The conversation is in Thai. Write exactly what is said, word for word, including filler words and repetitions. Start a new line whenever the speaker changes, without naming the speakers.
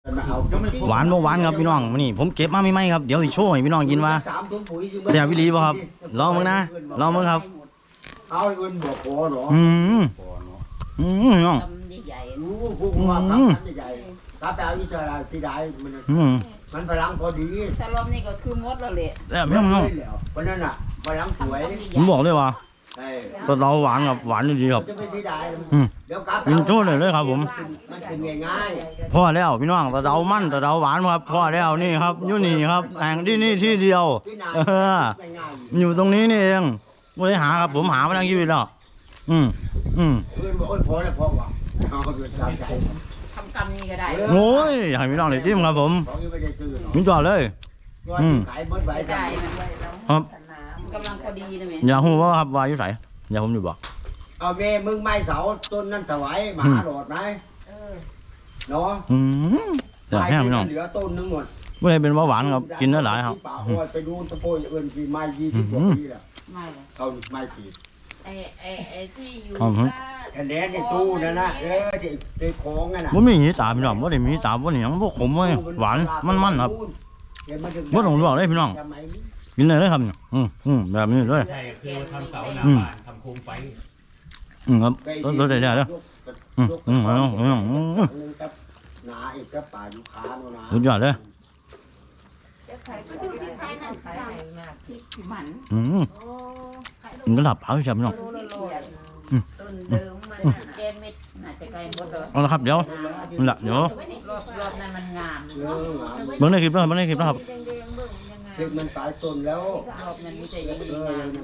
หวานบ่หวานครับพี่น้องนี่ผมเก็บมาไม่ไหมครับเดี๋ยวสิโชว์ให้พี่น้องกินว่าแซ่บวิลีบ่ครับลองมึงนะลองมึงครับ
เอาเงินบอกพอหรอ
อืมอืมพี่น้อง
ใหญ่
รู้พวกว่าครับใหญ่ถ้าไปเอาที่จะที่ใดมันมันพลังพอดี
ถ้าลมนี่ก็คือมดแล้วแหละ
แซ่บพี่น้อง
เพราะนั้นอ่ะพลังสวย
ผมบอกเลยว่าตะเดาหวานกับหวานดีครับกินโชว์เลยเลยครับผม
มันเป็นง่าย
พ่อแล้วพี่น้องตะเดามันตะเดาหวานครับพ่อแล้วนี่ครับอยู่นี่ครับแห่งที่นี่ที่เดียวเอออยู่ตรงนี้นี่เองไม่ได้หาครับผมหามาทั้งชีวิตแล้วอืมอืม
เพื่อนบอกพอแล้วพอว่ะเอาไปสามใจ
ทำกรรมนี่ก็ได้
โอ้ยอยากให้พี่น้องได้จิ้มครับผมมิจอดเลยอืม
ขายเบิ้ลใบ
ได้
ครับ
กำลังพอดีนะแม่
อย่าหูว่าครับวาอยู่ไหนอย่าผมอยู่บอก
เอาเมย์มึงไม่เสาต้นนั่นถวายมหาโดดไหมเนาะ
อืมแต่แห้งพี่น้อง
เหลือต้นทั้งหมด
ไม่ได้เป็นเบาหวานครับกินได้หลายครับ
ไปดูตะโพยเอิญปีไม้ยี่สิบกว่าปีแล้ว
ไม่เลย
เขาไม้ปี
ไอ้ไอ้ไอ้ที่อยู่
คะแนนในตู้นั่นนะเออที่ในของนั่นน่ะ
ว่ามีหีตาพี่น้องว่าได้มีตาว่านี่ยังพวกขมไว้หวานมันๆครับว่าต้องบอกเลยพี่น้องกินเลยเลยครับอืมอืมแบบนี้เลย
ใช่คือทำเสาหน้าบ้านทำโคมไฟ
อืมครับตัวใหญ่ๆเลยอืมอืมอืมอืมอืม
หนาอีกก็ป่าอยู่ขาโน่นนะ
สุดยอดเลย
ผิวหมัน
อืมมันก็หลับเอาใช่ไหมน้อง
ต้นเดิมมันแกเม็ดน่าจะไกลหมดเลย
เอาละครับเดี๋ยวนั่นแหละเดี๋ยว
รอบรอบนั้นมันงาม
เออหนา
เบิ้งในคลิปแล้วเบิ้งในคลิปแล้วครับ
เด็กมันตายต้นแล้ว
รอบนั้นไม่ใช่อย่างนี้งาม